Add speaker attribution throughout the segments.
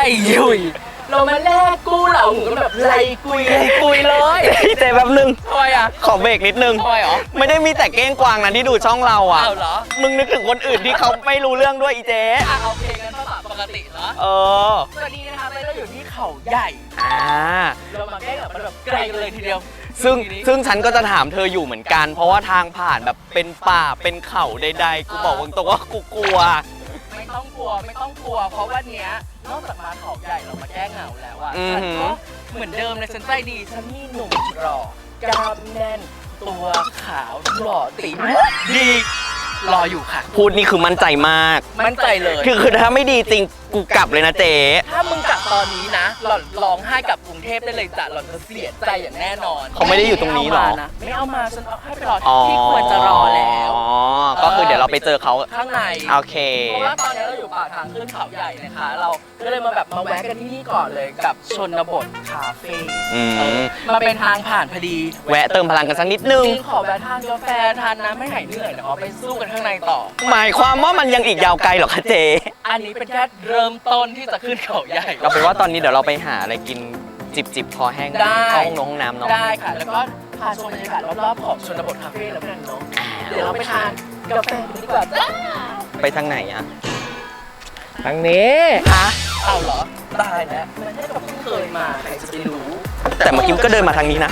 Speaker 1: ยุยเรามาแลกกู้เหล่าหูกันแบบไรกุยเลย
Speaker 2: เจ๊แป๊บนึง
Speaker 1: ทำไมอ่ะ
Speaker 2: ขอเบรกนิดนึง
Speaker 1: ทำไมหรอ
Speaker 2: ไม่ได้มีแต่เก้งกวางนะที่ดูช่องเราอ่ะ
Speaker 1: อ้าวเหรอ
Speaker 2: มึงนึกถึงคนอื่นที่เขาไม่รู้เรื่องด้วยอีเจ๊
Speaker 1: โอเคกันภาษาปกติเหรอ
Speaker 2: เออ
Speaker 1: สวัสดีนะคะเราอยู่ที่เขาใหญ่ เรามาแก้กับมันแบบไกลกันเลยทีเดียว
Speaker 2: ซึ่งฉันก็จะถามเธออยู่เหมือนกัน เพราะว่าทางผ่านแบบเป็นป่าเป็นเขาใดๆกูบอกตรงว่ากูกลัว
Speaker 1: ไม่ต้องกลัวเพราะวันเนี้ยนอกจากมาเขาใหญ่เรามาแก้เหงาแล้วอะ
Speaker 2: อือ
Speaker 1: ฉัน
Speaker 2: หือ
Speaker 1: ก็เหมือนเดิมเลยฉันใจดีฉันมีหนุ่มรอกล้ามแน่นตัวขาวหล่อตีดีรออยู่ค่ะ
Speaker 2: พูดนี่คือมั่นใจมาก
Speaker 1: มั่นใจเลย
Speaker 2: คือถ้าไม่ดีจริงกูกลับเลยนะเจ๊
Speaker 1: ถ้ามึงกลับตอนนี้นะหล่อนร้องไห้กลับกรุงเทพได้เลยจ้ะหล่อนจะเสียใจอย่างแน่นอน
Speaker 2: เขาไม่ได้อยู่ตรงนี้หรอ
Speaker 1: ไม่เอามาฉันเอาให้ไปรอที่ควรจะรอแล้ว
Speaker 2: อ๋อก็คือเดี๋ยวเราไปเจอเขา
Speaker 1: ข้างใน
Speaker 2: โอเค
Speaker 1: เพราะว่าตอนนี้เราอยู่ปากทางขึ้นเขาใหญ่นะคะ เราก็เลยมาแบบมาแวะกันที่นี่ก่อนเลยกับชนบทคาเฟ่
Speaker 2: อืม
Speaker 1: มาเป็นทางผ่านพอดี
Speaker 2: แวะเติมพลังกันสักนิดนึง
Speaker 1: จริงขอแวะทานกาแฟทานน้ำให้หายเหนื่อยเดี๋ยวเอาไปสู้กันข้างในต่อ
Speaker 2: หมายความว่ามันยังอีกยาวไกลเหรอคะเจ๊
Speaker 1: อันนี้เป็นแค่เริ่มต้นที่จะขึ้นเขาใหญ่
Speaker 2: เราไปนว่าตอนนี้เดี๋ยวเราไปหาอะไรกินจิบคอแห้ง
Speaker 1: ได้
Speaker 2: เข้าห้องน้ำเนาะ
Speaker 1: ได้ค่ะ แล้วก็พาชมบรรยากาศรอบๆของชนบทคาเฟ่แล้วกันเนาะเดี๋ยวเราไปทานกาแฟกันดีกว่าจ้า
Speaker 2: ไปทางไหนอะ
Speaker 3: ทางนี้
Speaker 2: ฮะ
Speaker 1: เอาเหรอตายแล้วมันให้กับเพิ่งเคยมาใครจะไปรู้
Speaker 2: แต่เมื่อกี้ก็เดินมาทางนี้นะ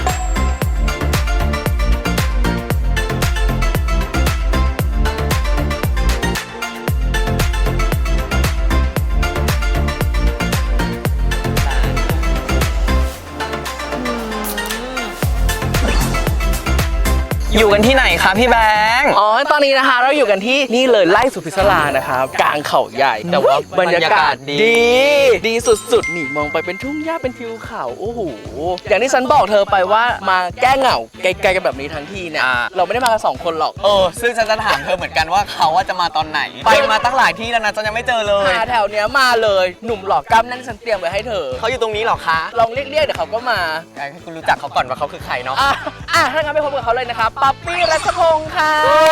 Speaker 2: อยู่กันที่ไหนคะพี่แบงค์
Speaker 1: อ๋อ ตอนนี้นะคะเราอยู่กันที่นี่เลยไร่สุพิศรานะครับกลางเขาใหญ่ แต่ว่าบรรยากาศดีสุดๆนี่มองไปเป็นทุ่งหญ้าเป็นทิวเขาโอ้โหอย่างที่ฉันบอกเธอไปว่ามาแก้เหงาไกลๆกันแบบนี้ทั้งทีเนี่ยเราไม่ได้มากัน2 คนหรอก
Speaker 2: ซึ่งฉันจะถามเธอเหมือนกันว่าเขาว่าจะมาตอนไหน ไปมาตั้งหลายที่แล้วนะฉันยังไม่เจอเลย
Speaker 1: หาแถวเนี้ยมาเลยหนุ่มหล่อกล้ามแนั่นฉันเตรียมไว้ให้เธอ
Speaker 2: เขาอยู่ตรงนี้เหรอคะ
Speaker 1: ลองเรียกเดี๋ยวเขาก็มา
Speaker 2: ให้คุณรู้จักเขาก่อนว่าเขาคือใครเนาะ
Speaker 1: ถ้างั้นไปพบกับเขาเลยนะครับป๊อปปี้รัชพงศ์ค่ะ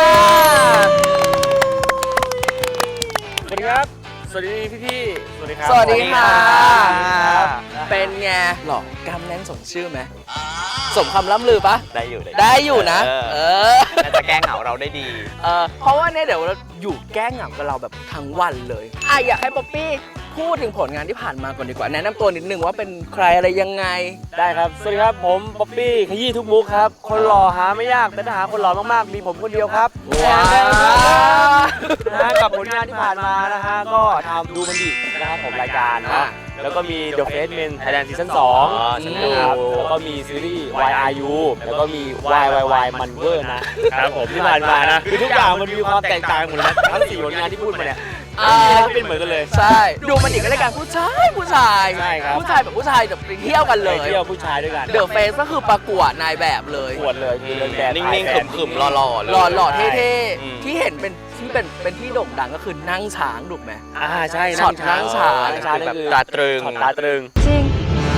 Speaker 3: สวัสดีครับ สวัสดีพี่ๆสวัสดีครับ
Speaker 1: สวัสดีค่ะ
Speaker 2: ครับ
Speaker 1: เป็นไงหล่อกล้ามแน่นสมชื่อไหมสมคำล่ำลือปะ
Speaker 2: ได้อยู่
Speaker 1: ได้อยู่นะ
Speaker 2: น่าจะแก้เหงาเราได้ดี
Speaker 1: เพราะว่าเนี่ยเดี๋ยวเราอยู่แก้เหงากับเราแบบทั้งวันเลยอยากให้ป๊อปปี้พูดถึงผลงานที่ผ่านมาก่อนดีกว่าแนะนำตัวนิดนึงว่าเป็นใครอะไรยังไง
Speaker 3: ได้ครับ สวัสดีครับ ผมป๊อปปี้ขยี้ทุกมุกครับ คนหล่อหาไม่ยาก แต่ถ้าหาคนหล่อมากๆ มีผมคนเดียวครับ
Speaker 1: ว้าว
Speaker 3: นะฮะกับผลงานที่ผ่านมานะฮะ ก็ทำดูมันดินะครับผมรายการเนาะ แล้วก็มี The Face Men Thailand Season 2
Speaker 2: ฉันดู
Speaker 3: นะครับแล้วก็มีซีรีส์ YRU แล้วก็มี YYY มันเวอร์นะครับผมที่ผ่านมานะ คือทุกอย่างมันมีความแตกต่างหมดเลยนะทั้ง4ผลงานที่พูดมาเนี่ยไม่มีอะไรที่เป็นเหมือนกันเลย
Speaker 1: ใช่ดูมันอีกก็รายการผู้ชาย
Speaker 3: ใช่ครับ
Speaker 1: ผู้ชายแบบผู้ชายแบบไปเที่ยวกันเล
Speaker 3: ไป
Speaker 1: ย
Speaker 3: เที่ยวผู้ชายด้วยกัน
Speaker 1: เดอะเฟสก็คือประกวดนายแบบเลย
Speaker 3: ปวดเลยคือเดินแบบ
Speaker 2: นิ่งๆขรึมๆหล่อๆเลย
Speaker 1: หล่อๆเท่
Speaker 2: อืม
Speaker 1: ๆที่เห็นเป็นที่โด่งดังก็คือนั่งช้างถูกไหม
Speaker 3: ใช่
Speaker 1: ช็อตนั่งช้าง
Speaker 3: นั่งช้าง
Speaker 2: คือ
Speaker 3: นี่
Speaker 2: แบบ
Speaker 3: คือ
Speaker 2: ตาตรึง
Speaker 3: ช็อตตาตรึง
Speaker 1: จริง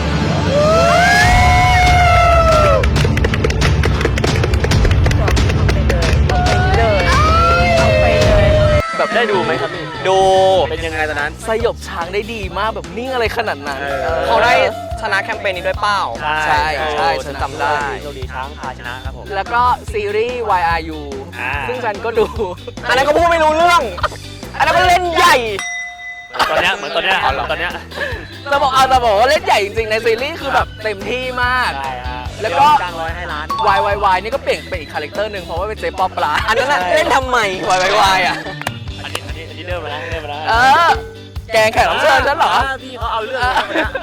Speaker 1: แบบ
Speaker 3: ได้ดูไหมครับพี่
Speaker 2: ดู
Speaker 3: เป็นยังไงตอนนั้น
Speaker 1: สยบช้างได้ดีมากแบบนิ่งอะไรขนาดนั้น
Speaker 2: เขาได้ชนะแคมเปญนี้ด้วยเปล่า
Speaker 1: ใช่ฉันจำได้
Speaker 3: โชคดีช้างพาชนะครับผม
Speaker 1: แล้วก็ซีรีส์ YRU ซึ่งฉันก็ดู
Speaker 2: อันนั้นก็พูดไม่รู้เรื่อง อันนั้นก็เล่นใหญ่
Speaker 3: ตอนเนี้ยเหมือนตอนเนี้ยตอนเนี้ย
Speaker 1: จะบอกว่าเล่นใหญ่จริงๆในซีรีส์คือแบบเต็มที่มาก
Speaker 3: ใช่ฮะ
Speaker 1: แล้วก็
Speaker 3: จ้าง100ให้ล้าน
Speaker 1: YYY นี่ก็เปลี่ยนเป็นอีกคาแรคเตอร์หนึ่งเพราะว่าเป็นเจ๊ป๊อปปลา
Speaker 2: อันนั้นน่ะเล่นทำไมวายอ่ะ
Speaker 3: อันนี้เริ่มมาแล้วเริ่มมาแล้ว
Speaker 1: แกงแขกรับเชิญฉันเหรอ
Speaker 3: พี่เขาเอาเรื่อง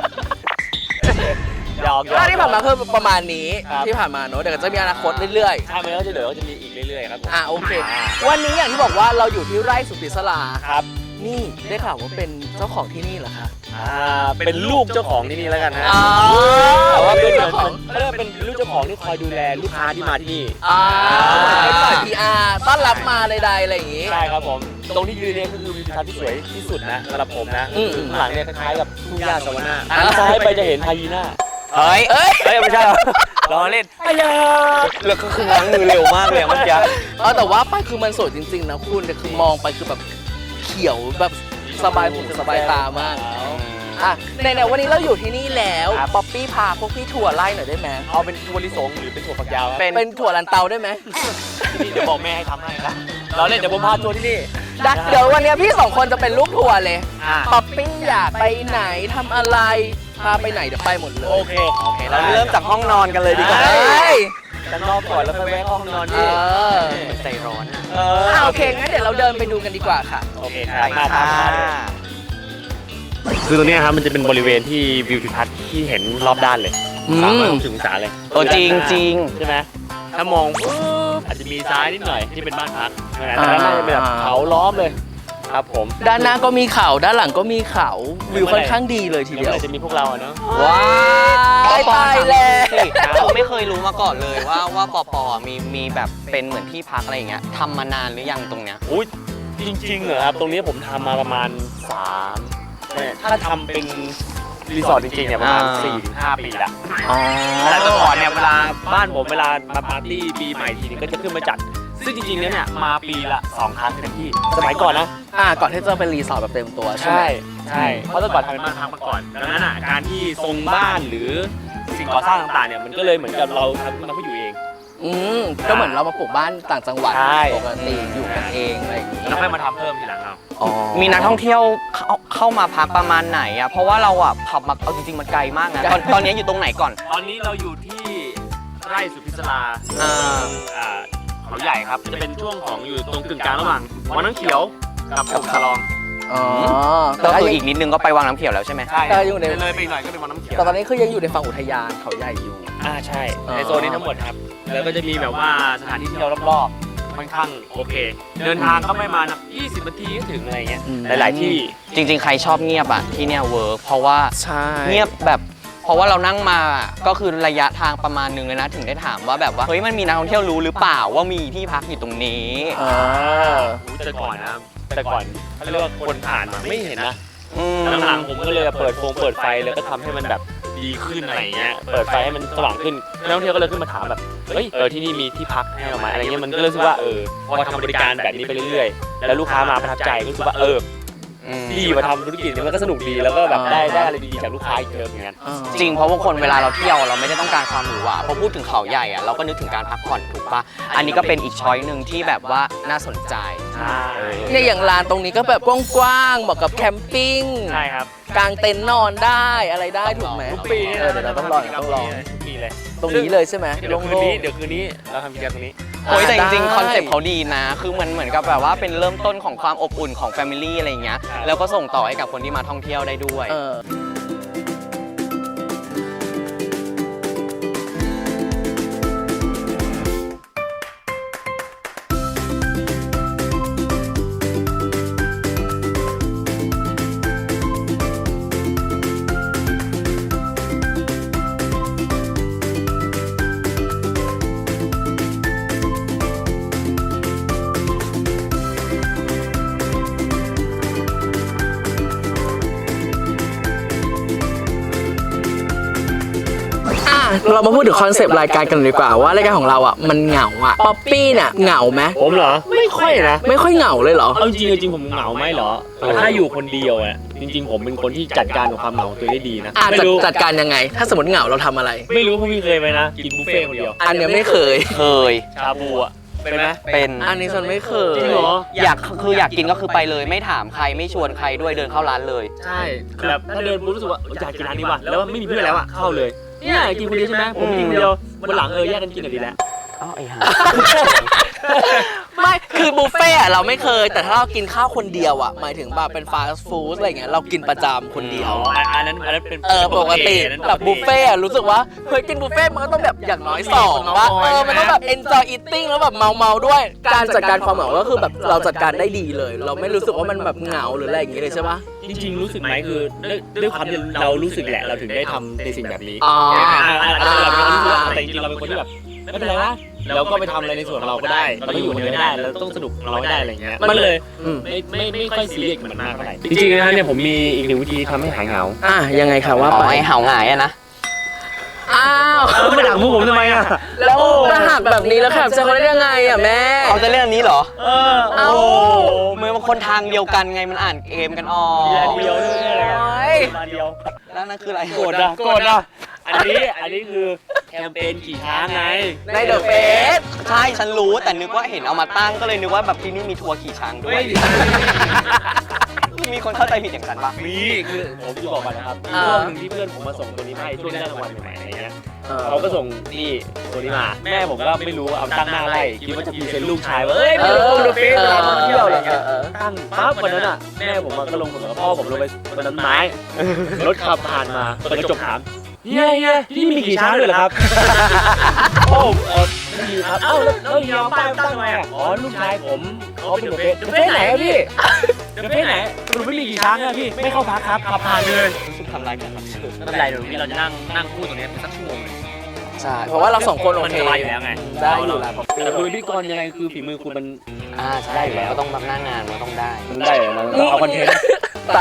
Speaker 3: หยอก
Speaker 1: ก็ที่ผ่านมาคือประมาณนี้
Speaker 3: ครับ
Speaker 1: ที่ผ่านมาเนอะเดี๋ยวก็จะมีอนาคตเรื่อย
Speaker 3: ถ้ามันก็จะเหลือก็จะมีอีกเรื่อยๆครับผม
Speaker 1: ๆโอเค วันนี้อย่างที่บอกว่าเราอยู่ที่ไร่สุพิศรา
Speaker 3: ครับ
Speaker 1: นี่ได้ข่าวว่าเป็นเจ้าของที่นี่เหรอคะ
Speaker 3: เป็นลูกเจ้าของที่นี่แล้วกันฮะ
Speaker 1: อ๋อ
Speaker 3: แต่ว่าเป็น
Speaker 1: เจ้าของ
Speaker 3: เขาเรียกว่าเป็นลูกเจ้าของที่คอยดูแลลูกค้าที่มาที่นี่
Speaker 1: เป็นฝ่าย PR ต้อนรับมาใดๆอะไรอย่างงี้
Speaker 3: ใช่ครับผม ตรงที่ยืนเนี่ยก็คือวิวทิวทัศน์ที่สวยที่สุดนะสำหรับผมนะ
Speaker 1: อืม
Speaker 3: ข้างหลังเนี่ยคล้ายๆกับทุ่งหญ้าสวรรค์หันซ้ายไปจะเห็นไฮยีน่า
Speaker 2: เฮ้ย
Speaker 1: เอ้ย
Speaker 3: เฮ้ยไม่ใช่หรอล้อเล่นอ้ยา
Speaker 2: แล้วก็คือง้างมือเร็วมากเลยอะเมื่อกี้
Speaker 1: แต่ว่าไปคือมันสวยจริงๆนะคุณแต่คือมองไปคือแบบเขียวแบบสบายหูสบายตามากอ่ะในวันนี้เราอยู่ที่นี่แล้วป๊อปปี้พาพวกพี่ถั่วไล่หน่อยได้ไหม
Speaker 3: เอาเป็นถั่วลิสงหรือเป็นถั่วฝักยาวครับ
Speaker 1: เป็นถั่วลันเตาได้ไหม
Speaker 3: ที่นี่เดี๋ยวบอกแม่ให้ทำให้ครับเราเล่นเดี๋ยวผมพาทัวร์ที่นี่
Speaker 1: เดี๋ยววันนี้พี่สองคนจะเป็นลูกทัวร์เลย
Speaker 3: อ่า
Speaker 1: ป๊อปปี้อยากไปไหนทำอะไรพาไปไหนเดี๋ยวไปหมดเลย
Speaker 3: โอเค
Speaker 2: เราเริ่มจากห้องนอนกันเลยดีกว่า
Speaker 1: เฮ้ย
Speaker 3: จะนอกก่อนแล้วไปแวะห้องนอน
Speaker 1: เอ
Speaker 3: นี่
Speaker 1: อ
Speaker 2: ใจร้อนอะ
Speaker 1: โอเคงั้นเดี๋ยวเราเดินไปดูกันดีกว่าค่ะ
Speaker 3: โอเคครับมาตามมาเลยคือตรงนี้ครับมันจะเป็นบริเวณที่วิวทิวทัศน์ที่เห็นรอบด้านเลย
Speaker 1: อืม
Speaker 3: 360องศาเลย
Speaker 2: โอ้จริงจริง
Speaker 3: ใช่ไหมถ้ามองปุ๊บอาจจะมีซ้ายนิดหน่อยที่เป็นบ้านพักนะแต่ด้านหน้าจะเป็นแบบเขาล้อมเลยครับผม
Speaker 1: ด้านหน้าก็มีเขาด้านหลังก็มีเขาวิวค่อนข้างดีเลยทีเดียว
Speaker 3: เดี๋ยวจะมีพวกเราอะเนาะ
Speaker 2: ว้า
Speaker 1: ตายแล้ว
Speaker 2: เราไม่เคยรู้มาก่อนเลยว่าปออ่ะมีแบบเป็นเหมือนที่พักอะไรอย่างเงี้ยทำมานานหรือยังตรงเนี้ย
Speaker 3: อุ้ยจริงๆเหรอครับตรงนี้ผมทำมาประมาณถ้าทำเป็นรีสอร์ทจริงๆเนี่ยประมาณ 4-5 ปีละ
Speaker 1: อ๋อ
Speaker 3: แต่ก่อนเนี่ยเวลาบ้านผมเวลามาปาร์ตี้ปีใหม่ทีนึงก็จะขึ้นมาจัด ซึ่งจริงๆเนี่ยมาปีละ2 ครั้งเต็มที่สมัยก่อนนะ
Speaker 1: ก่อนที่จะเป็นรีสอร์ทแบบเต็มตัวใช่ไหม
Speaker 3: ใช่เพราะแต่ก่อนทำเป็นบ้านพักมาก่อนดังนั้นอ่ะการที่ทรงบ้านหรือสิ่งก่อสร้างต่างๆเนี่ยมันก็เลยเหมือนกับเราทำขึ้นมาเพื่ออยู่เอง
Speaker 1: ก็เหมือนเรามาปลูกบ้านต่างจังหวัด
Speaker 3: ใช่
Speaker 1: ปกติอยู่กันเองอะไรอย่างนี้
Speaker 3: แล้วค่อยมาทำเพิ่มทีหลังเอา
Speaker 2: มีนักท่องเที่ยวเข้ามาพักประมาณไหนอ่ะเพราะว่าเราอ่ะขับมาเอาจริงๆมันไกลมากนะตอนนี้อยู่ตรงไหนก่อน
Speaker 3: ตอนนี้เราอยู่ที่ไร่สุพิศรา
Speaker 2: อ่า
Speaker 3: เขาใหญ่ครับจะเป็นช่วงของอยู่ตรงกึ่งกลางระหว่างวังน้ำเขียวกับผมสลอง
Speaker 1: อ๋อ
Speaker 2: ก็คืออีกนิดนึงก็ไปวังน้ำเขียวแล้วใช่ไหม
Speaker 3: ใช่
Speaker 1: แต่อยู่ใน
Speaker 3: เลยไปอีกหน่อยก็เป็นวังน้ำเขียว
Speaker 1: แต่ตอนนี้คือยังอยู่ในฝั่งอุทยานเขาใหญ่อยู่
Speaker 3: ใช่ในโซนนี้ทั้งหมดครับแล้วก็จะมีแบบว่าสถานที่เที่ยวรอบๆค่อนข้างโอเค เดินทางก็ไม่มานะ20 นาทีก็ถึงอะไรเงี้ย
Speaker 1: อืม
Speaker 3: หลายๆที่
Speaker 2: จริงๆ ใครชอบเงียบอ่ะที่เนี่ยเวิร์กเพราะว่า
Speaker 1: ใช่
Speaker 2: เงียบแบบเพราะว่าเรานั่งมาก็คือระยะทางประมาณนึงเลยนะถึงได้ถามว่าแบบว่าเฮ้ยมันมีนักท่องเที่ยวรู้หรือเปล่าว่ามีที่พักอยู่ตรงนี้
Speaker 3: แต่ก่อนนะแต่ก่อนเขาเรียกว่าคนผ่านมาไม่เห็นนะ
Speaker 2: อืม
Speaker 3: หลังๆผมก็เลยเปิดไฟแล้วก็ทำให้มันแบบดีขึ้นอะไรเงี้ยเปิดไฟให้มันสว่างขึ้นนักท่องเที่ยวก็เลยขึ้นมาถามแบบเฮ้ยที่นี่มีที่พักให้เราไหมอะไรเงี้ยมันก็เลยรู้สึกว่าพอทำบริการแบบนี้ไปเรื่อยๆแล้วลูกค้ามาประทับใจก็รู้สึกว่าดีมาทำธุรกิจนี้มันก็สนุกดีแล้วก็แบบได้อะไรดีๆจากลูกค้าอีกเยอะเหมือนกัน
Speaker 2: จริงเพราะบางคนเวลาเราเที่ยวเราไม่ได้ต้องการความหรูหราพอพูดถึงเขาใหญ่อะเราก็นึกถึงการพักผ่อนถูกปะอันนี้ก็เป็นอีกช้อยหนึ่งที่แบบว่าน่าสนใจ
Speaker 1: เนี่ยอย่างลานตรงนี้ก็แบบกว้างๆเหมาะกับแคมปิ้ง
Speaker 3: ใช่ครับ
Speaker 1: กางเต็นท์นอนได้อะไรได้ถูกไหม
Speaker 3: ทุกปี
Speaker 1: เดี๋ยวเราต้องลอง
Speaker 3: ทุกปีเลย
Speaker 1: ตรงนี้เลยใช่ไหม
Speaker 3: เดี๋ยวคืนนี้เราทำกิจกรรมตรงนี้
Speaker 2: โอ้ยแต่จริง
Speaker 1: ได้
Speaker 2: ๆคอนเซ็ปต์เขาดีนะ คือเหมือนกับแบบว่าเป็นเริ่มต้นของความอบอุ่นของแฟมิลี่อะไรอย่างเงี้ย
Speaker 3: ครับ
Speaker 2: แล้วก็ส่งต่อให้กับคนที่มาท่องเที่ยวได้ด้วย
Speaker 1: เรามาพูดถึงคอนเซปต์รายการกันดีกว่าว่ารายการของเราอ่ะมันเหงาอ่ะป๊อปปี้เนี่ยเหงาไหม
Speaker 3: ผมเหรอไม่ค่อยนะ
Speaker 1: ไม่ค่อยเหงาเลยเหรอ
Speaker 3: เอาจริงผมเหงาไหมเหรอถ้าอยู่คนเดียวอ่ะจริงๆผมเป็นคนที่จัดการกับความเหงาตัวเองได้ดีนะไม่รู้
Speaker 1: จัดการยังไง ถ้าสมมติเหงาเราทำอะไร
Speaker 3: ไม่รู้เพราะพี่เคยไหมนะกินบุฟเฟ่ต์คนเดียว
Speaker 1: อันเนี้ยไม่เคย
Speaker 2: เคย
Speaker 3: ชาบูอ่ะเป็นไหม
Speaker 2: เป็น
Speaker 1: อันนี้ฉันไม่เคย
Speaker 3: จริงเหรอ
Speaker 2: อยากกินก็คือไปเลย ไม่ถามใครไม่ชวนใครด้วยเดินเข้าร้านเลย
Speaker 3: ใช่แบบถ้าเดินปุ๊บรู้สึกว่าอยากกินร้านนี้ว่ะแล้วไม่มีเพื่อนแล้วอ่ะเข้าเลยเนี่ยกินคนเดียวใช่ไหมผมกินคนเดียววันหลังแยกกันกินหน่อยดีแล้ว
Speaker 2: อ้าวไอ้ห่า
Speaker 1: ไม่คือบุฟเฟ่ต์อะเราไม่เคย แต่ถ้าเรากินข้าวคนเดียวอ่ะหมายถึงแบบเป็นฟาสต์ฟู้ดอะไรเงี้ยเรากินประจำคนเดียว
Speaker 3: อันนั้นเป็น
Speaker 1: ปกติแบบบุฟเฟ่ต์อะรู้สึกว่าเฮ้ยกินบุฟเฟ่ต์มันก็ต้องแบบอย่างน้อย2ว่ามันต้องแบบ enjoy eating แล้วแบบเมาด้วย การจัดการความเหงาก็คือแบบเราจัดการได้ดีเลย เราไม่รู้สึกว่ามันแบบเหงาหรืออะไรอย่างงี้เลยใช่ปะ
Speaker 3: จริงๆรู้สึกไหมคือด้วยความที่เรารู้สึกแหละเราถึงได้ทำในสิ่งแบบนี้
Speaker 1: อ๋อ
Speaker 3: เราเป็นคนรู้สึกว่าแต่จริงๆเราเป็นคนที่แบบไม่เป็นไรนะเราก็ไปทำอะไรในส่วนของเราก็ได้เราไม่อยู่คนเดียวไม่ได้เราต้องสนุกของเราให้ได้อะไรเงี้ยมันเลยไม่ค่อยซีเรียสกับมันมากเท่าไหร่จริงๆนะเนี่ยผมมีอีกหนึ่งวิธีทำให้หายเหงา
Speaker 1: ยังไงคะว่า
Speaker 2: อ๋
Speaker 1: ไป
Speaker 2: อไอ้ห่าวหงายอะนะ
Speaker 1: อ้าว
Speaker 3: ไม่ด่ามุกผมทำไมอ่ะ
Speaker 1: แล้วจะหักแบบนี้แล้วแคปเจอเขาได้ยังไงอ่ะแม่
Speaker 2: เขาจะเล่นอันนี้เหรอ
Speaker 1: เอ้า
Speaker 2: มือมันคนทางเดียวกันไงมันอ่านเกมกันออก
Speaker 3: เดียวนี่อะไร
Speaker 1: โอ๊ย
Speaker 3: เดียว
Speaker 2: แล้วนั่นคืออะไร
Speaker 3: โกรธอ่ะอันนี้คือแคมเปญขี่ช้างไง
Speaker 1: ในเดอะเฟส
Speaker 2: ใช่ฉันรู้แต่นึกว่าเห็นเอามาตั้งก็เลยนึกว่าแบบที่นี่มีทัวร์ขี่ช้างด้วย มีคนเข้าใจผิดอย่างฉันปะ
Speaker 3: มีคือผมจะบอกก่อนนะครับช่วงหนึ่งที่เพื่อนผมมาส่งตัวนี้มาให้ช่วงได้รางวัลใหม่ๆอะไรเงี้ยเขาก็ส่งนี่ตัวนี้มาแม่ผมก็ไม่รู้เอาตั้งหน้าไล่คิดว่าจะพรีเซนต์ลูกชายว่าเอ้ยไปลงเดอะเฟสเวลามาเที่ยวอะไรเงี้ยตั้งปั๊บวันนั้นอ่ะแม่ผมก็ลงกับพ่อผมลงไปบนต้นไม้รถขับผ่านมาเปิดกระจกถามเฮียที่นี่มีขี่ช้างด้วยเหรอครับโอ้ไม่มีครับเอ้าแล้วเฮียเอาป้ายตั้งทำไมอ่ะอ๋อลูกชายผมเขาเป็นเดอะเฟสไหนอะพี่เดอะเฟสไหนสรุปไม่มีขี่ช้างอะพี่ไม่เข้าพักครับขับผ่านเลย
Speaker 2: ทำลายกันรับเชิญ
Speaker 3: ไม่เป็นไรเดี๋ยวนี้เราจะนั่งพูดตรงนี้เป็นสักชั่วโมง
Speaker 1: ใช่ เพราะว่าเราสองคนโอ
Speaker 3: มัน
Speaker 1: เค
Speaker 3: สบายอยู่แล้วไง
Speaker 1: ได้อยู่แล้ว
Speaker 3: แต่คุณเป็นพิธีกรยังไงคือฝีมือคุณมัน
Speaker 2: ใช่แล้วก็ต้องแบบหน้างานมันต้องได้
Speaker 3: ได้เหรอมันเอาคอนเทนต์
Speaker 1: ตา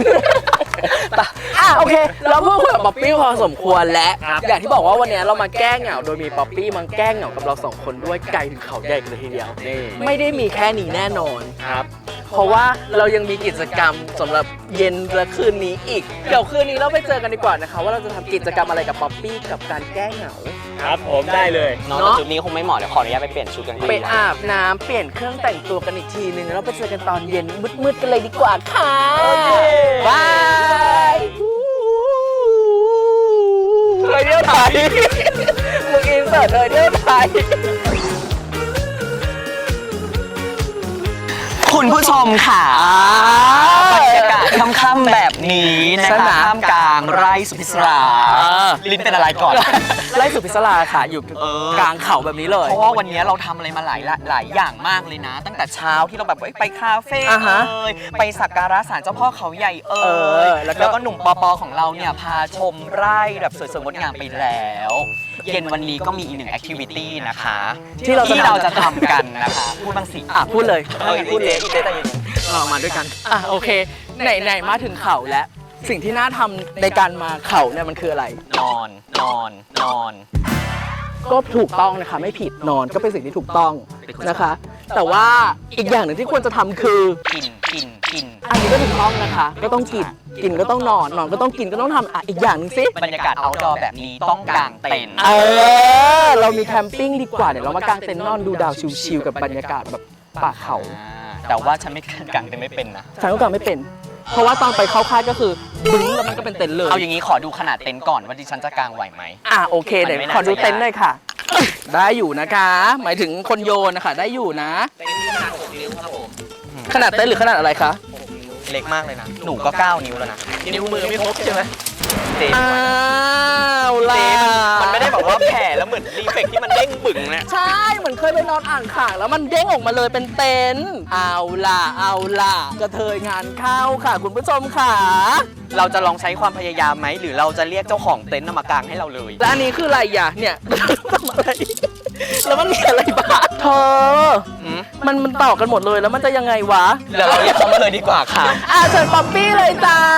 Speaker 1: โอเค เราพูดคุยกับป๊อปปี้พอสมควรแล้ว อย่างที่บอกว่าวันนี้เรามาแก้เหงาโดยมีป๊อปปี้มาแก้เหงากับเราสองคนด้วยไกลถึงเขาใหญ่กันเลยทีเดียว
Speaker 3: นี่
Speaker 1: ไม่ได้มีแค่นี้แน่นอน
Speaker 3: ครับ
Speaker 1: เพราะว่าเรายังมีกิจกรรมสำหรับเย็นและคืนนี้อีก เดี๋ยวคืนนี้เราไปเจอกันดีกว่านะคะว่าเราจะทำกิจกรรมอะไรกับป๊อปปี้กับการแก้เหงา
Speaker 3: ครับผมได้เลย
Speaker 2: น้องแต่ชุดนี้คงไม่เหมาะเดี๋ยวขออนุญาตไปเปลี่ยนชุดกัน
Speaker 1: ไปอาบน้ำเปลี่ยนเครื่องแต่งตัวกันอีกทีนึงแล้วเราไปเจอกันตอนเย็นมืดๆกันเลยดีกว่าค่ะบายเลยเที่ยวไทยมึงอินเสิร์ตเลยเที่ยวไทย
Speaker 2: คุณผู้ชมค่ะบรรยากาศค่ำๆแบบนี้นะคะท่ามกลางไร่สุพิศราลิ้นเป็นอะไรก่อน
Speaker 1: ไล่สุพิศราค่ะอยู่กลางเขาแบบนี้เลย
Speaker 2: เพราะว่าวันนี้เราทำอะไรมาหลายอย่างมากเลยนะ ตั้งแต่เช้าที่เราแบบไปคาเฟ่
Speaker 1: อ่าฮะ
Speaker 2: ไปสักการะศาลเจ้าพ่อเขาใหญ่แล้วก็หนุ่มปอของเราเนี่ยพาชมไร่แบบสวยๆงดงามไปแล้ว เย็นวันนี้ก็มีอีกหนึ่งแอคทิวิตี้นะคะที่เราจะทำกันนะคะพูดบ้างสิ
Speaker 1: พูดเลย
Speaker 2: พูดเลยอีเต้แต่เย็น
Speaker 1: เรามาด้วยกันโอเคไหนมาถึงเขาแล้ว สิ่งที่น่าทำในการมาเขาเนี่ยมันคืออะไร
Speaker 2: นอน
Speaker 1: ก็ถูกต้องนะคะไม่ผิดนอนก็เป็นสิ่งที่ถูกต้องนะคะ แต่ว่าอีกอย่างหนึ่งที่ควรจะทำคือ
Speaker 2: กิน
Speaker 1: อันนี้ก็ถูกต้องนะคะ ก็ต้องกินก็ต้องนอนก็ต้องกินก็ต้องทำอีกอย่างหนึ่งสิ
Speaker 2: บรรยากาศเอาท์ดอร์แบบนี้ต้องกางเต็นท์
Speaker 1: เรามีแคมปิ้งดีกว่าเดี๋ยวเรามากางเต็นท์นอนดูดาวชิลๆกับบรรยากาศแบบป่าเขา
Speaker 2: แต่ว่าฉันไม่กางเต็นท์ไม่เป็นนะ
Speaker 1: ฉันก็กางไม่เป็น เพราะว่าตอนไปเข้าค่ายก็คือบึ้งแล้วมันก็เป็นเต็นท์เลย
Speaker 2: เอาอย่างนี้ขอดูขนาดเต็นท์ก่อนว่าดิฉันจะกางไหวไหม
Speaker 1: โอเคเดี๋ยวขอดูเต็นท์หน่อยค่ะ ได้อยู่นะคะ หมายถึงคนโยนนะคะได้อยู่นะขนาดเต็นท์หรือขนาดอะไรคะ
Speaker 2: เล็กมากเลยนะหนูก็9 นิ้วแล้วนะ
Speaker 1: นิ้วมือไม่ครบใช่ไหม
Speaker 2: เต็นท์
Speaker 1: ล่ะ
Speaker 2: มันไม่ได้บอกว่าแผ่แล้วเหมือนรีเฟกที่มันเด้งบึ่งนะ
Speaker 1: ใช่เหมือนเคยไปนอนอ่างขางแล้วมันเด้งออกมาเลยเป็นเต็นท์เอาล่ะกระเทยงานเข้าค่ะคุณผู้ชมค่ะ
Speaker 2: เราจะลองใช้ความพยายามไหมหรือเราจะเรียกเจ้าของเต็นท์มากางให้เราเลย
Speaker 1: แล้วอันนี้คืออะไรอ่ะเนี่ย ทำอะไรแล้วมันมีอะไรบ้างเธอมันต่อกันหมดเลยแล้วมันจะยังไงวะ
Speaker 2: เดี๋ยวเราเรียกเขามาเลยดีกว่าค่ะ
Speaker 1: เชิญป๊อปปี้เลยจ้า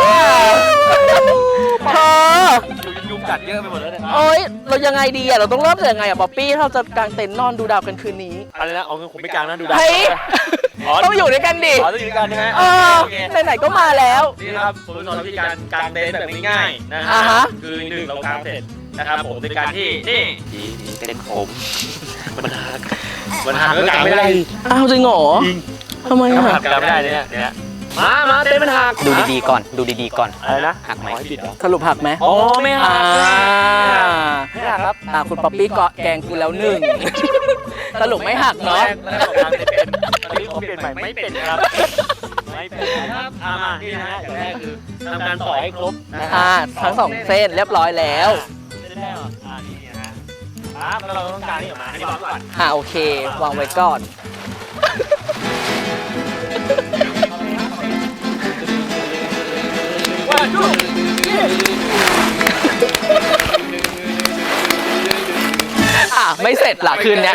Speaker 1: เธอ
Speaker 3: ยุงกัดเยอะไปหมดแล้วเนี่ย
Speaker 1: โอ๊ยเรายังไงดีอ่ะเราต้องเริ่มจากยังไงอ่ะป๊อปปี้เราจะกางเต็นท์นอนดูดาวกันคืนนี้
Speaker 3: อะไรนะเอาเงินผมไม่กางนะดูดาว
Speaker 1: เฮ้ยต้องอยู่ด้วยกันดิ
Speaker 3: ต้องอยู่ด้วยกันใช่ไหม
Speaker 1: ไหนๆก็มาแล้ว
Speaker 3: นี่นะครับผมสอนวิธีการกางเต็นท์แบบง่ายๆนะ
Speaker 1: ฮะ
Speaker 3: คือ1เรากางเสร็จนะครับผมในการที่นี่เต็นท์ผมมันหักก็กางไม่ได้
Speaker 1: อ้าวจริงเหรอ
Speaker 3: จริง
Speaker 1: ทำไม
Speaker 3: กาง
Speaker 1: อ่ะ
Speaker 3: ไม่ได้เนี่ยมาเต็นท์มันหัก
Speaker 2: ดูดีๆก่อน
Speaker 3: อะไรนะ
Speaker 2: หักไหม
Speaker 3: ปิดเหรอ
Speaker 1: สรุปหักไหม
Speaker 3: อ๋อไม่หัก
Speaker 1: ไม่หักครับคุณป๊อปปี้เกาะแกงกูแล้วหนึ่งสรุปไม่หักเนาะ
Speaker 3: ตอนนี้ผมเปลี่ยนใหม่ไม่เป็นครับไม่เป็นครับมานี่นะฮะอย่างแรกคือทำการต่อให้ครบนะฮะ
Speaker 1: ทั้งสองเส้นเรียบร้อยแล้ว
Speaker 3: เส้นแรกนี่นะฮะครับแล้วเราต้องการนี่ออกมาให้วางก่อน
Speaker 1: โอเควางไว้ก่อน ไม่เสร็จหรอคืนเนี้ย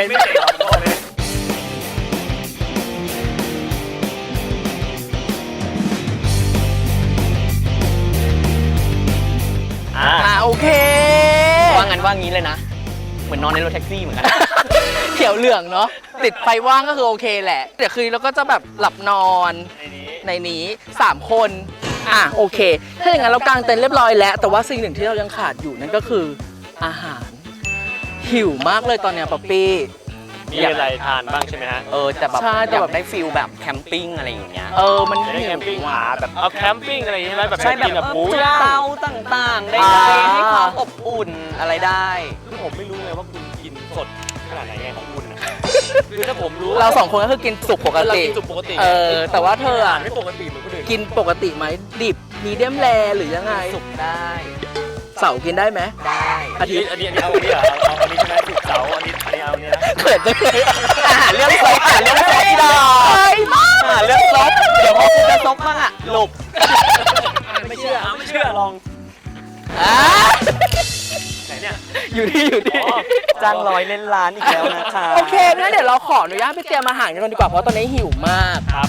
Speaker 1: โอเค
Speaker 2: งั้นว่างี้เลยนะ เหมือนนอนในรถแท็กซี่เหมือนกัน
Speaker 1: เขียวเหลืองเนาะติดไฟว่างก็คือโอเคแหละเดี๋ยวคืนเราก็จะแบบหลับนอนในนี้3 คนโอเคถ้าอย่างนั้นเรากางเต็นท์เรียบร้อยแล้วแต่ว่าสิ่งหนึ่งที่เรายังขาดอยู่นั่นก็คืออาหารหิวมากเลยตอนเนี้ยป๊อปปี้
Speaker 3: มีอะไรทานบ้างใช่ไหมฮะ
Speaker 2: แต่แบบ
Speaker 1: ใช่แต่
Speaker 2: อยา
Speaker 1: แบบ
Speaker 2: กได้ฟิลแบบแคมปิ้งอะไรอย่างเงี้ย
Speaker 1: มัน
Speaker 3: ได้
Speaker 1: หิ
Speaker 3: แคว มปิ้ง
Speaker 1: ว่ะ
Speaker 3: หาแบบเอาแคมปิ้งอะไรอย่างเงี้ยไหมแบบ
Speaker 2: ใช่แบบ
Speaker 3: กินแบบหมู
Speaker 2: จุด
Speaker 3: ย่าง
Speaker 2: เตาต่างๆ ได้
Speaker 1: อ่า
Speaker 2: ให้ความอบอุ่นอะไรได้
Speaker 3: คือผมไม่รู้ไงว่าคุณกินสดขนาดไหนไงของคุณนะคือถ้าผมรู้
Speaker 1: เรา2 คนก็คือกินสุกปก
Speaker 3: เรา
Speaker 1: ติ
Speaker 3: กินสุกปกติ
Speaker 1: แต่ว่าเธออะ
Speaker 3: ไม่ปกติเหมือนคนอื่น
Speaker 1: กินปกติไหมดิบมีเดียมแรหรือยังไง
Speaker 2: สุกได้
Speaker 1: เสาร์กินได้ไหม
Speaker 2: ได้
Speaker 1: อาทิตย์
Speaker 3: อันนี้เอาอันนี้เหรอเอาอันนี้ใช่ไหมสุกร์เสาร์อันนี้เอาอันนี้นะ
Speaker 1: เขินจังเลย
Speaker 2: อาหารเรื่องซบอาหารเรื่องซบพี่ดอก
Speaker 1: เฮ้ยมาก
Speaker 2: อาหารเรื่องซบเดี๋ยวพอคุณจะซบบ้างอะหลบ
Speaker 3: ไม่เชื่อลอง
Speaker 1: อ่า
Speaker 3: ไหนเนี่ย
Speaker 1: อยู่ที่
Speaker 3: อ๋อ
Speaker 2: จ้างร้อยเล่นล้านอีกแล้วนะคะ
Speaker 1: โอเคงั้นเดี๋ยวเราขออนุญาตไปเตรียมอาหารกันก่อนดีกว่าเพราะตอนนี้หิวมาก
Speaker 3: ครับ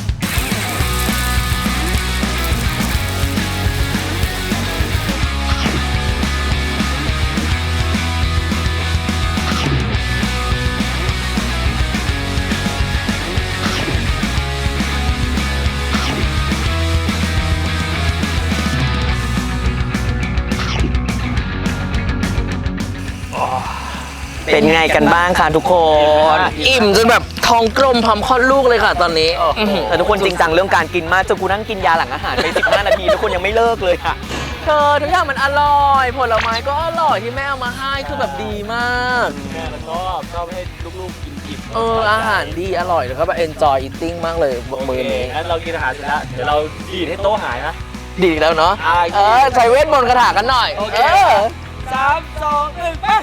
Speaker 2: เป็นไงกันบ้างคะทุกคน
Speaker 1: อิ่มจนแบบท้องกลมพร้อมคลอดลูกเลยค่ะตอนนี้
Speaker 2: แต่ทุกคนจริงจังเรื่องการกินมากจนกูนั่งกินยาหลังอาหารไป15 นาทีทุกคนยังไม่เลิกเลยค่ะ
Speaker 1: เธอทุกอย่างมันอร่อยผลไม้ก็อร่อยที่แม่เอามาให้คือแบบดีมาก
Speaker 3: แม่ก็ชอบให้ลูกๆกินอิ่ม
Speaker 1: อาหารดีอร่อยแล้วก็แบบ enjoy eating มากเลย
Speaker 3: โอ
Speaker 1: มื้อ
Speaker 3: เค
Speaker 1: นี้
Speaker 3: งั้นเรากินอาหารเสร็จแล้วเดี๋ยวเราดีดให้โต๊ะหายนะ
Speaker 1: ดีแล้วเนาะ ใช้เวทมนต์คาถากันหน่อย
Speaker 3: โอเค 3 2 1ไป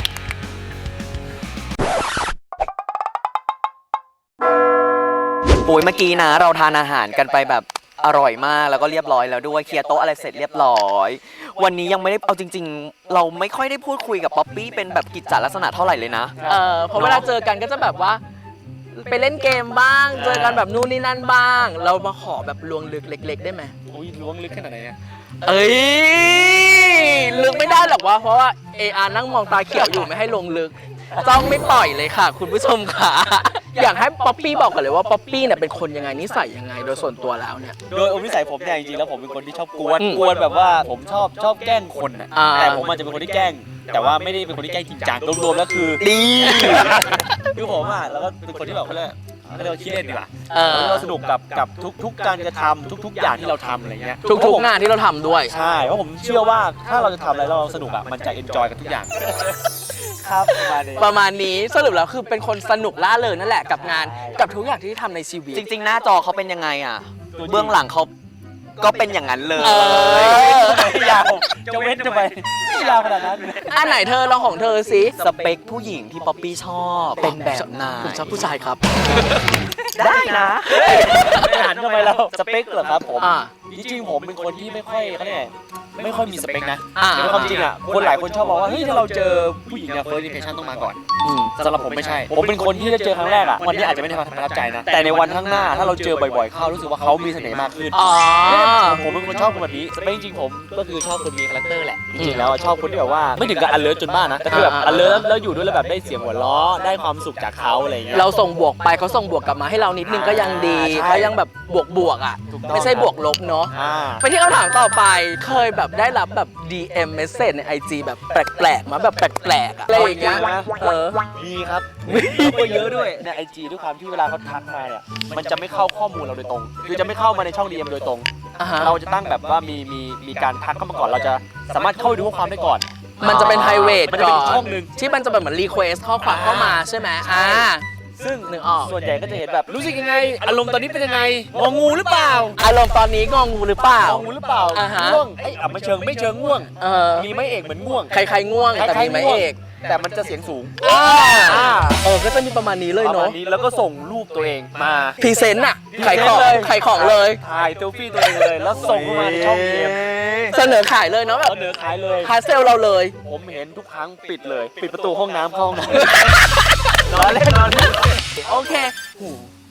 Speaker 2: ปุ๋ยเมื่อกี้นะเราทานอาหารกันไปแบบอร่อยมากแล้วก็เรียบร้อยแล้วด้วยเคลียร์โต๊ะอะไรเสร็จเรียบร้อยวันนี้ยังไม่ได้เอาจริง ๆ เราไม่ค่อยได้พูดคุยกับป๊อปปี้เป็นแบบกิจจลักษณะเท่าไหร่เลยนะ
Speaker 1: เพราะเวลาเจอกันก็จะแบบว่า ไปเล่นเกมบ้าง เจอกันแบบนู่นนี่นั่นบ้าง เรามาขอแบบลวงลึกเล็ก ๆ ได้ไหม
Speaker 3: อุ้ยล้วงลึกขนาดไหนเนี่ย
Speaker 1: เอ้ยลึกไม่ได้หรอกวะเพราะว่านั่งมองตาเขียวอยู่ไม่ให้ลงลึกจ้องไม่ปล่อยเลยค่ะ คุณผู้ชมค่ะ อยากให้ป๊อปปี้บอกกันเลยว่าป๊อปปี้เนี่ยเป็นคนยังไงนิสัยยังไงโดยส่วนตัวแล้วเนี่ย
Speaker 3: โดยนิสัยผมเนี่ยจริงๆแล้วผมเป็นคนที่ชอบกวน
Speaker 1: อืม
Speaker 3: กวนแบบว่าผมชอบแกล้งคนอ่ะ
Speaker 1: อ่า
Speaker 3: แต่ผมอาจจะเป็นคนที่แกล้ง แต่ว่าไม่ได้เป็นคนที่แกล้งจริงจังรวมๆแล้วคือ
Speaker 2: ดี
Speaker 3: คือผมอ่ะแล้วก็เป็นคนที่แบบเขาเรียกว่าขี้เล่นดีกว่า
Speaker 1: เออ
Speaker 3: เราสนุกกับทุกการกระทำทุกอย่างที่เราทำอะไรเงี้ย
Speaker 1: ทุกๆงานที่เราทำด้วย
Speaker 3: ใช่เพราะผมเชื่อว่าถ้าเราจะทำอะไรแล้วเราสนุกอ่ะมันจะเอนจอยกับทุกอย่างครับประมาณนี้
Speaker 1: ประมาณนี้สรุปแล้วคือเป็นคนสนุกล่าเริงนั่นแหละกับงานกับทุกอย่างที่ทำในชีวิต
Speaker 2: จริง ๆ หน้าจอเขาเป็นยังไงอ่ะเบื้องหลังเขาก็เป็นอย่างนั้นเลย
Speaker 1: เออ
Speaker 3: ยาวจะเว้นจะไปยาวขนาดนั้น
Speaker 1: อันไหนเธอลองของเธอสิ
Speaker 2: สเปคผู้หญิงที่ป๊อปปี้ชอบเป็นแบบไหน
Speaker 1: ผมชอบผู้ชายครับ
Speaker 2: ได้นะ
Speaker 3: ไม่หันทำไมเราสเปคเหรอครับผม
Speaker 1: อ่า
Speaker 3: จริงๆผมเป็นคนที่ไม่ค่อยเขาเรียกไงไม่ค่อยมีสเปคนะ
Speaker 1: อ่า
Speaker 3: แต่ความจริงอ่ะคนหลายคนชอบบอกว่าเฮ้ยถ้าเราเจอผู้หญิงเนี่ย first impression ต้องมาก่อนสำหรับผมไม่ใช่ ผมเป็นคนที่จะเจอครั้งแรกอ่ะวันนี้อาจจะไม่ได้ประทับใจนะแต่ในวันข้างหน้าถ้าเราเจอบ่อยๆเข้ารู้สึกว่าเขามีเสน่ห์มากขึ้น
Speaker 1: อ๋อ
Speaker 3: ผมเป็นคนชอบคนแบบนี้สเปคจริงๆผมก็คือชอบคนมีคาแรคเตอร์แหละจริงๆแล้วอะชอบคนที่แบบว่าไม่ถึงกับอันเลิศจนบ้านะแต่คือแบบอันเลิศแล้วอยู่ด้วยแล้วแบบได้เสียงหัวเราะได้ความสุขจากเขาอะไรอย่างเงี้ย
Speaker 1: เราส่งบวกไปเขาส่งบวกกลับมาให้เรานิดนึงก็ยังดี
Speaker 3: ใช่
Speaker 1: เขายังแบบบวกอ่ะ
Speaker 3: ถูกต้อง
Speaker 1: ไม่ใช่บวกลบเนาะ
Speaker 3: อ่า
Speaker 1: ไปที่คำถามต่อไปเคยแบบได้รับแบบ DM message ใน IG แบบแปลกๆมาแบบแปลกๆอะอะไรอย่างเงี้ยเออ
Speaker 3: มีครับมีก็เยอะด้วยในไอจีด้วยความที่เวลาเขาทักมาเนี่ยมันจะไม่เข้าข้อมูลเราโดยตรง คือจะไม่เข้ามาในช่อง DM โดยตรง
Speaker 1: อ่าฮะ
Speaker 3: เราจะตั้งแบบว่ามีการทักเข้ามาก่อนเราจะสามารถเข้าไปดูข้อความได้ก่อน
Speaker 1: มันจะเป็น private
Speaker 3: มันจะเป็น
Speaker 1: ก่อน
Speaker 3: ช่องหนึ่ง
Speaker 1: ที่มันจะแบบเหมือน request ข้อความเข้ามาใช่ไหมอ่า
Speaker 3: ซึ่ง
Speaker 1: นึกออก
Speaker 3: ส่วนใหญ่ก็จะเห็นแบบรู้สึกยังไง อารมณ์ตอนนี้เป็นยังไงงองูหรือเปล่า
Speaker 1: อารมณ์ตอนนี้งองูหรือเปล่า
Speaker 3: งองูหรือเปล่า
Speaker 1: อ่าฮะ
Speaker 3: ง่วงเอ้ยไม่เชิงง่วง
Speaker 1: เออ
Speaker 3: มีไม้เอกเหมือนง่วง
Speaker 1: ใครๆง่วงแต่มีไม้เอก
Speaker 3: แต่มันจะเสียงสูง
Speaker 1: ก็จะมีประมาณนี้เลย
Speaker 3: ประมา
Speaker 1: เนาะ
Speaker 3: ณนี้แล้วก็ส่งรูปตัวเองมา
Speaker 1: พรีเซนต์อะขายของขายของเลย
Speaker 3: ถ่ายเซลฟี่ตัวเองเลย แล้วส่งเข้ามาในช่องเกม
Speaker 1: เสนอขายเลยเนาะแบบ
Speaker 3: เสนอขายเลย
Speaker 1: คาเซลเราเลย
Speaker 3: ผมเห็นทุกครั้งปิดเลย ปิดประตูห้องน้ำเข้าห้องน้ำ ล้อเล่น
Speaker 1: โอเคหู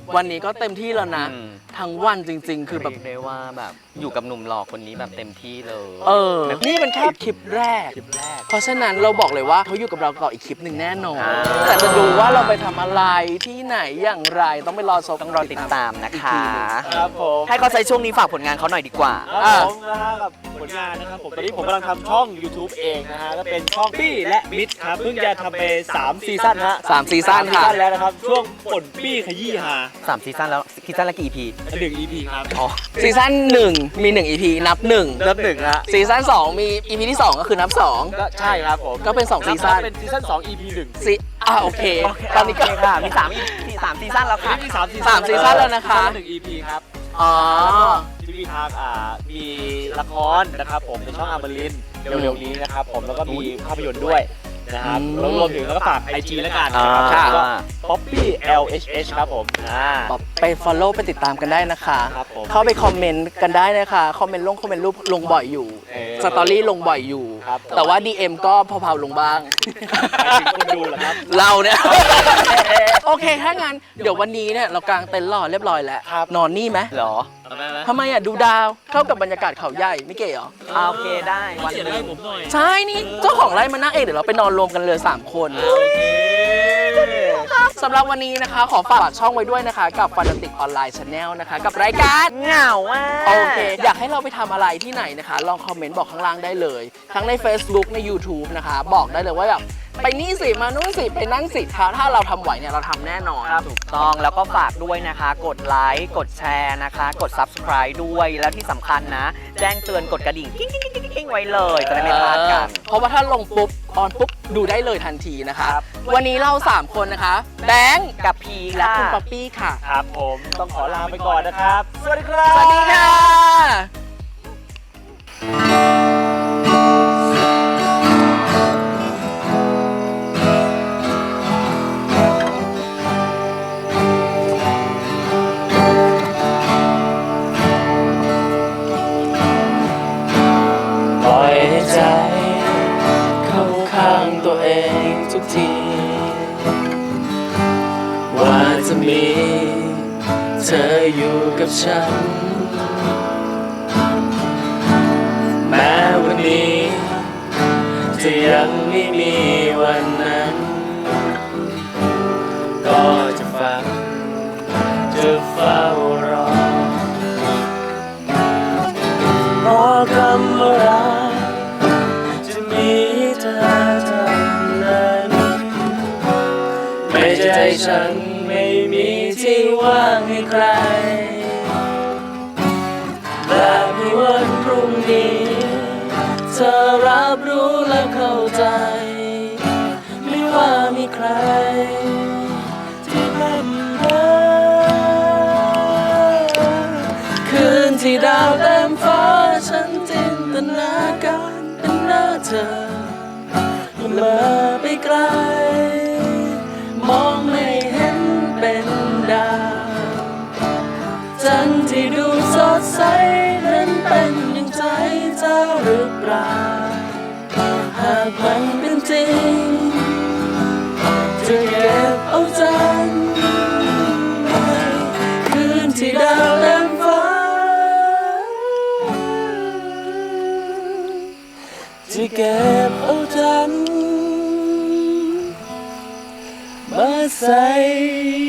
Speaker 1: วันนี้ก็เต็มที่แล้วนะ
Speaker 2: อืม
Speaker 1: ทั้งวันจริง ๆ คือแบบ
Speaker 2: เรียกได้ว่าแบบอยู่กับหนุ่มหล่อคนนี้แบบเต็มที่เลย
Speaker 1: นี่เป็นแค่คลิปแรก เพราะฉะนั้นเราบอกเลยว่าเขาอยู่กับเราต่ออีกคลิปหนึ่งแน่นอน แต่จะดูว่าเราไปทำอะไรที่ไหนอย่างไรต้องไปรอชม
Speaker 2: ต้องรอติดตามนะคะ
Speaker 3: ครับผม
Speaker 2: ให้เขาใช้ช่วงนี้ฝากผลงานเขาหน่อยดีกว่า
Speaker 3: ครับผมนะฮะกับผลงานนะครับผมตอนนี้ผมกำลังทำช่อง YouTube เองนะฮะก็เป็นช่องปี้และมิดครับเพิ่งจะทำไป3ซีซั่นฮะ
Speaker 1: 3 ซีซั่นค่ะ
Speaker 3: แล้วนะครับช่วงป่นปี้ขยี้ฮา
Speaker 2: 3 ซีซั่นแล้วซีซั่นละกี่ EP
Speaker 3: 1 EP ครับ
Speaker 2: อ๋อ
Speaker 1: ซีซั่น1 มี 1 EP นับ 1
Speaker 3: เริ่ม1ฮะ
Speaker 1: ซีซั่น2 มี EP ที่ 2 ก็คือนับ 2
Speaker 3: ก็ใช่ครับผม
Speaker 1: ก็เป็น2ซีซั่น
Speaker 3: เป็นซีซั่น2 EP 1
Speaker 1: โอเค ตอนนี้ก็
Speaker 2: โเคค่ะมี3ซีซั่นแล้วค่ะ
Speaker 3: นี่มี3ซี
Speaker 1: สามซีซั่นแล้วนะคะ
Speaker 3: 1 EP ครับ
Speaker 1: อ๋อ
Speaker 3: ที่มีทางมีละครนะครับผมในช่องอมรินทร์เร็วๆนี้นะครับผมแล้วก็มีภาพยนตร์ด้วยนะครับ
Speaker 1: อืม
Speaker 3: แล้วรวมถึงแล้วก็ฝาก IG แล้วกันนะครับ
Speaker 1: ค่ะ
Speaker 3: ก็ Poppy LHH ครับผม
Speaker 1: ไป follow ไปติดตามกันได้นะคะ
Speaker 3: ครับผม
Speaker 1: เข้าไปคอมเมนต์กันได้นะคะ คอมเมนต์รูปลงบ่อยอยู่ สตอรี่ลงบ่อยอยู่
Speaker 3: ครับผม
Speaker 1: แต่ว่า DM ก็เผาๆลงบ้าง
Speaker 3: หมายถึงคนดูเหรอครับ
Speaker 1: เราเนี่ย โอเค ถ้างั้น เดี๋ยววันนี้เนี่ยเรากางเต็นท์รอเรียบร้อยแล้ว
Speaker 3: ครับ
Speaker 1: นอนนี่ไหม
Speaker 2: เหรอ
Speaker 1: ทำไมดูดาว เข้ากับบรรยากาศเขาใหญ่ไม่เก๋เหรอ
Speaker 2: โอเคได้วันหนึง
Speaker 1: ใช่นี่เจ้าของไร่มานั่งเองเดี๋ยวเราไปนอนรวมกันเลย 3 คนสำหรับวันนี้นะคะ ขอฝากช่องไว้ด้วยนะคะ กับ Fanatic Online Channel นะคะ กับรายการ
Speaker 2: เหงาอ่ะ
Speaker 1: โอเค อยากให้เราไปทำอะไรที่ไหนนะคะ ลองคอมเมนต์บอกข้างล่างได้เลย ทั้งใน Facebook ใน YouTube นะคะ บอกได้เลยว่าแบบไปนี่สิ มานู่นสิ ไปนั่นสิถ้าเราทำไหวเนี่ยเราทำแน่นอน
Speaker 2: ถูกต้องแล้วก็ฝากด้วยนะคะ กดไลค์กดแชร์นะคะ กด Subscribe ด้วยแล้วที่สำคัญนะ แจ้งเตือนกดกระดิ่งกิ้งไว้เลยจะได้ไม่พลาดกัน
Speaker 1: เพราะว่าถ้าลงปุ๊บออนปุ๊บดูได้เลยทันทีนะคะ วันนี้เรา 3 คนนะคะ แบงค์
Speaker 2: กับพี
Speaker 1: และ
Speaker 2: ค่ะ
Speaker 1: คุณป๊อปปี้ค่ะ
Speaker 3: ครับผมต้องขอลาไปก่อนนะครับ สวัสดีครับ
Speaker 1: สวัสดีค่ะ ปล่อยให้ใจเข้าข้างตัวเองทุกที ว่าจะมีเธออยู่กับฉัน แม้วันนี้จะยังไม่มีวันนั้น ก็จะฟังจะเฝ้ารอเพราะคำว่ารักจะมีเธอเท่านั้น ไม่ใช่ฉันไม่มีที่ว่างให้ใครและในวันพรุ่งนี้เธอรับรู้และเข้าใจ ไม่ว่ามีใครที่เป็นรักคืนที่ดาวเต็มฟ้าฉันจินตนาการเป็นหน้าเธอเมื่อไปไกลมองไม่เห็นเป็นดาวจันทร์ที่ดูสดใสนั้นเป็นอย่างใจเจ้าหรือเปล่าหากมันเป็นจริงจะเก็บเอาจันทร์คืนที่ดาวเต็มฟ้าจะเก็บเอาจันทร์มาใส่